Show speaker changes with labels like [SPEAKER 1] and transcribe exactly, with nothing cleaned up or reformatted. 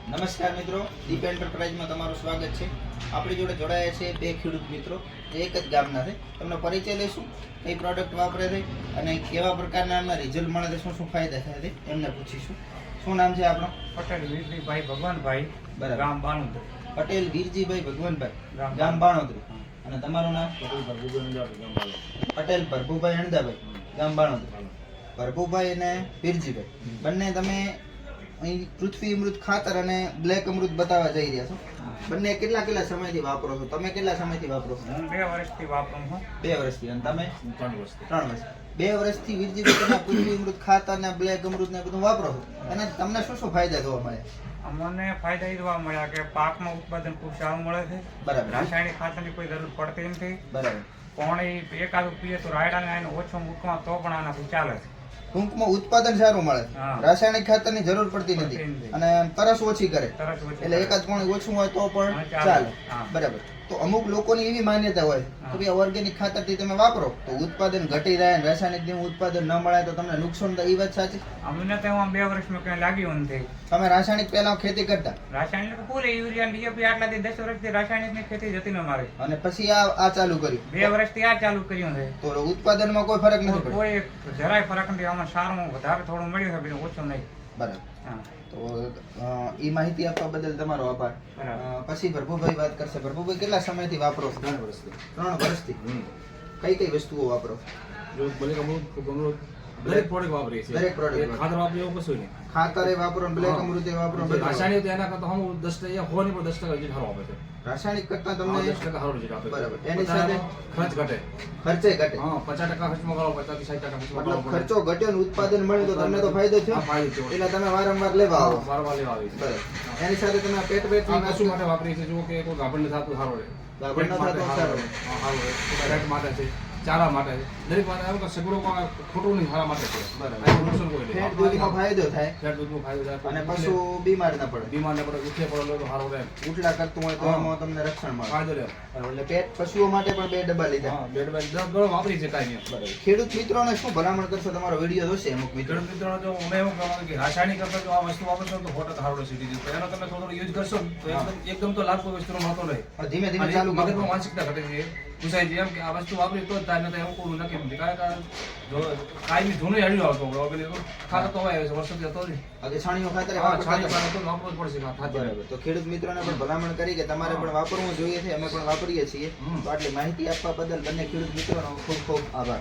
[SPEAKER 1] નમસ્કાર મિત્રો, દીપ એન્ટરપ્રાઇઝમાં તમારું સ્વાગત છે. આપણી જોડે જોડાયા છે બે ખેડૂત મિત્રો જે એક જ ગામના છે. તમને પરિચય લઈશું, કઈ પ્રોડક્ટ વાપરે છે અને કેવા પ્રકારના એમના રિઝલ્ટ મળે છે, શું શું ફાયદા થાય છે એમને પૂછીશું. શું નામ છે આપણો?
[SPEAKER 2] પટેલ વીરજીભાઈ ભગવાનભાઈ,
[SPEAKER 1] બરાબર.
[SPEAKER 2] ગામ બાણોદરી.
[SPEAKER 1] પટેલ વીરજીભાઈ ભગવાનભાઈ, ગામ બાણોદરી. અને તમારું નામ? પટેલ ભરભુભાઈ અણદાભાઈ, ગામ બાણોદરી. ભરભુભાઈ અને વીરજીભાઈ બંને તમે અહીં પૃથ્વી અમૃત ખાતર અને બ્લેક અમૃત બતાવવા જઈ રહ્યા છો. બંને કેટલા કેટલા સમયથી વાપરો છો? તમે કેટલા સમયથી વાપરો છો?
[SPEAKER 2] હું બે વર્ષથી વાપરું છું.
[SPEAKER 1] બે વર્ષથી. અને તમે?
[SPEAKER 2] ત્રણ વર્ષથી.
[SPEAKER 1] ત્રણ વર્ષ. બે વર્ષથી વીરજીભાઈ તમે પૃથ્વી અમૃત ખાતર ને બ્લેક અમૃત ને બધું વાપરો છો, અને તમને શું શું ફાયદા જોવા મળે?
[SPEAKER 2] અમને ફાયદા એ જોવા મળ્યા કે પાકમાં ઉત્પાદન ખૂબ સારું મળે છે.
[SPEAKER 1] બરાબર.
[SPEAKER 2] રાસાયણિક ખાતરની કોઈ જરૂર પડતી નથી.
[SPEAKER 1] બરાબર.
[SPEAKER 2] પાણી એકાદું પીએ તો રાયડાને આને ઓછો મૂકવા તો પણ આનાથી ચાલે છે.
[SPEAKER 1] ટૂંકમાં ઉત્પાદન સારું મળે,
[SPEAKER 2] હા.
[SPEAKER 1] રાસાયણિક ખાતરની જરૂર પડતી નથી
[SPEAKER 2] પડતી નથી.
[SPEAKER 1] અને તરસ ઓછી કરે,
[SPEAKER 2] તરત ઓછી
[SPEAKER 1] એટલે
[SPEAKER 2] કરે.
[SPEAKER 1] એકાદ પાણી ઓછું હોય તો પણ
[SPEAKER 2] હા, ચાલે.
[SPEAKER 1] ચાલે.
[SPEAKER 2] હા.
[SPEAKER 1] બરાબર. તો અમુક લોકોની એવી માન્યતા હોય
[SPEAKER 2] હા.
[SPEAKER 1] કે ભાઈ ઓર્ગેનિક ખાતરથી તમે વાપરો તો ઉત્પાદન ઘટી જાય અને રાસાયણિક ઉત્પાદન ન મળે તો તમને નુકસાન થાય. એ વાત સાચી?
[SPEAKER 2] અમને તો એમાં બે વર્ષમાં કંઈ લાગ્યું નથી.
[SPEAKER 1] તમે રાસાયણિક પહેલા ખેતી કરતા
[SPEAKER 2] રાસાયણિક ફૂલ યુરિયા ડીએપી આટલાથી દસ વર્ષથી રાસાયણિકની ખેતી જતી ન મારી.
[SPEAKER 1] અને પછી આ આ ચાલુ કર્યું,
[SPEAKER 2] બે વર્ષથી આ ચાલુ કર્યું છે.
[SPEAKER 1] તો ઉત્પાદનમાં કોઈ ફરક નથી પડ્યો?
[SPEAKER 2] કોઈ જરાય ફરક નથી. આમાં સારું વધારે થોડું મળ્યું છે, બીજું ઓછું નહીં.
[SPEAKER 1] બરાબર.
[SPEAKER 2] હા.
[SPEAKER 1] તો એ માહિતી આપવા બદલ તમારો આભાર.
[SPEAKER 2] બરાબર.
[SPEAKER 1] અ, પછી ભરભુભાઈ વાત કરશે. ભરભુભાઈ કેટલા સમયથી વાપરો છો?
[SPEAKER 3] ત્રણ વર્ષથી.
[SPEAKER 1] ત્રણ વર્ષથી. કઈ કઈ વસ્તુઓ વાપરો?
[SPEAKER 3] જો બ્લેક અમૃત, અમૃત દરેક પ્રોડક્ટ વાપરીએ છીએ.
[SPEAKER 1] દરેક product
[SPEAKER 3] એક ખાતર વાપરીએ એવું કશું નહીં.
[SPEAKER 1] ખાતરે વાપરો ને બ્લેક
[SPEAKER 3] હા.
[SPEAKER 1] અમૃતે વાપરો ને
[SPEAKER 3] જે
[SPEAKER 1] બધું વાપરો.
[SPEAKER 3] રાસાયણિક તો એના કરતા હમ દસ ટકા હોવાની પણ દસ ટકા રિઝલ્ટ સારું આપે છે.
[SPEAKER 1] રાસાયણિક કરતા
[SPEAKER 3] હા,
[SPEAKER 1] તમને
[SPEAKER 3] દસ ટકા સારું રિઝલ્ટ આપે છે.
[SPEAKER 1] બરાબર. એની
[SPEAKER 3] પોતાનો
[SPEAKER 1] સાથે
[SPEAKER 3] ખર્ચ ઘટે.
[SPEAKER 1] ખર્ચે ઘટે.
[SPEAKER 3] હા, પચાસ ટકા ખર્ચમાં કરો, પચાસ થી સાઠ ટકા ખર્ચમાં
[SPEAKER 1] મતલબ
[SPEAKER 3] કરો.
[SPEAKER 1] ખર્ચો ઘટ્યો ને ઉત્પાદન મળ્યું તો તમને તો ફાયદો થયો,
[SPEAKER 3] હા, ફાયદો થયો.
[SPEAKER 1] એટલે તમે વારંવાર લેવા આવો.
[SPEAKER 3] વારંવાર લેવા આવી છે.
[SPEAKER 1] બરાબર. એની સાથે તમે પેટ પેટ
[SPEAKER 3] આ કશું માટે વાપરીએ છીએ. જો કે કોઈ ગાભણ ન થતું સારું રહે.
[SPEAKER 1] ગાભણ ન
[SPEAKER 3] પેટ માટે
[SPEAKER 1] થતું
[SPEAKER 3] સારું
[SPEAKER 1] સારું
[SPEAKER 3] રહે. હા, સારું રહે. પેટ માટે છે, ચારા માટે છે, દરેક માટે આવું કે સગડો ખોટું નહીં, સારા માટે છે.
[SPEAKER 1] બરાબર.
[SPEAKER 3] આ નુકસાન કોઈ નહીં.
[SPEAKER 1] ફેટ દૂધમાં ફાયદો થાય
[SPEAKER 3] ફેટ દૂધનો ફાયદો થાય.
[SPEAKER 1] અને પશુ બીમાર ન પડે.
[SPEAKER 3] બીમાર ને પડે, ઉઠે પડે તો સારું રહે.
[SPEAKER 1] ઉટલા કરતું હોય તો
[SPEAKER 3] હા.
[SPEAKER 1] એમાં તમને રક્ષણ મળે.
[SPEAKER 3] ફાયદો રહે.
[SPEAKER 1] બરાબર. એટલે પેટ પશુઓ માટે પણ બે ડબ્બા લીધા.
[SPEAKER 3] હા, બેડ બેડ દસ ગણો વાપરી છે કાંઈ નહીં.
[SPEAKER 1] બરાબર. ખેડૂત મિત્રોને શું ભલામણ કરશો? તમારો વિડીયો જોશે અમુક મિત્રો.
[SPEAKER 3] ખેડૂત મિત્રો જો અમે એવું કહેવાનું કે રાસાયણિક કરતા જો આ વસ્તુ વાપરશો ને તો સો ટકા સારું રહેશે. તો એનો તમે થોડો યુઝ કરશો ને તો એકદમ એકદમ તો લાભ કોઈ વસ્તુનો મળતો નહીં.
[SPEAKER 1] પણ ધીમે ધીમે
[SPEAKER 3] અને
[SPEAKER 1] ચાલુ કરો.
[SPEAKER 3] મગજમાં માનસિકતા ઘટે છે. પૂછાય છે એમ કે આ વસ્તુ વાપરી તો જ થાય, નહીં તો એવું કોઈ નક્કી નથી. કારણ કે જો કાંઈ બી જૂનો હળ્યો આવતો આપણે ખાતર તો હોય વર્ષોથી હતો જ.
[SPEAKER 1] આજે છાણીઓ ખાતર
[SPEAKER 3] હા,
[SPEAKER 1] વાપરતા
[SPEAKER 3] છાણી
[SPEAKER 1] હતા.
[SPEAKER 3] પાણી તો વાપરવું જ પડશે ખાતર.
[SPEAKER 1] બરાબર. તો ખેડૂત મિત્રોને પણ ભલામણ કરી કે તમારે પણ વાપરવું જોઈએ છે. અમે પણ વાપરીએ છીએ.
[SPEAKER 3] હમ.
[SPEAKER 1] તો આટલી માહિતી આપવા બદલ બંને ખેડૂત મિત્રોનો ખૂબ ખૂબ આભાર.